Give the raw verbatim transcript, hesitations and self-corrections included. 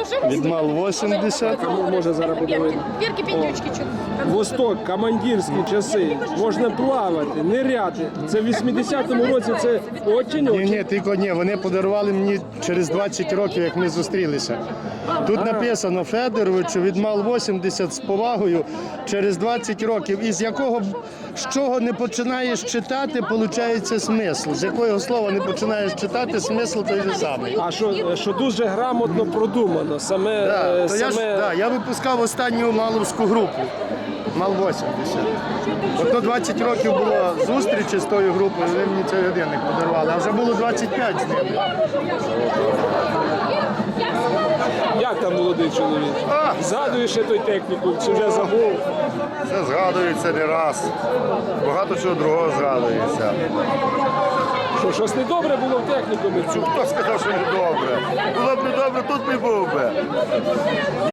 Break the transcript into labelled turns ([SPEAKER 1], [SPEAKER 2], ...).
[SPEAKER 1] Відмал вісімдесят.
[SPEAKER 2] Кому може зараз подивити?
[SPEAKER 3] Вірки піндючки чуть.
[SPEAKER 2] Восток, командирські часи. Можна плавати, ниряти. Це в вісімдесятому році, це очень
[SPEAKER 1] Ні,
[SPEAKER 2] очень.
[SPEAKER 1] ні, тільки ні, вони подарували мені через двадцять років, як ми зустрілися. Тут написано Федоровичу, відмал вісімдесят з повагою через двадцять років. Із якого, з чого не починаєш читати, виходить смисл. З якого слова не починаєш читати, смисл той же самий.
[SPEAKER 2] А що, що дуже грамотно продумано. Саме,
[SPEAKER 1] Да,
[SPEAKER 2] е,
[SPEAKER 1] то я, ж,
[SPEAKER 2] саме...
[SPEAKER 1] да, я випускав останню маловську групу. Мал вісімдесят. От на двадцять років було зустрічі з тою групою, вони мені цей годинник подарували, а вже було двадцять п'ять з ними.
[SPEAKER 2] Як там молодий чоловік?
[SPEAKER 1] А!
[SPEAKER 2] Згадуєш ще той техніку, чи вже забув?
[SPEAKER 4] Це згадується не раз. Багато чого другого згадується.
[SPEAKER 2] Що, щось недобре було в технікумі?
[SPEAKER 4] Хто сказав, що не добре? Було б не добре, тут не був би.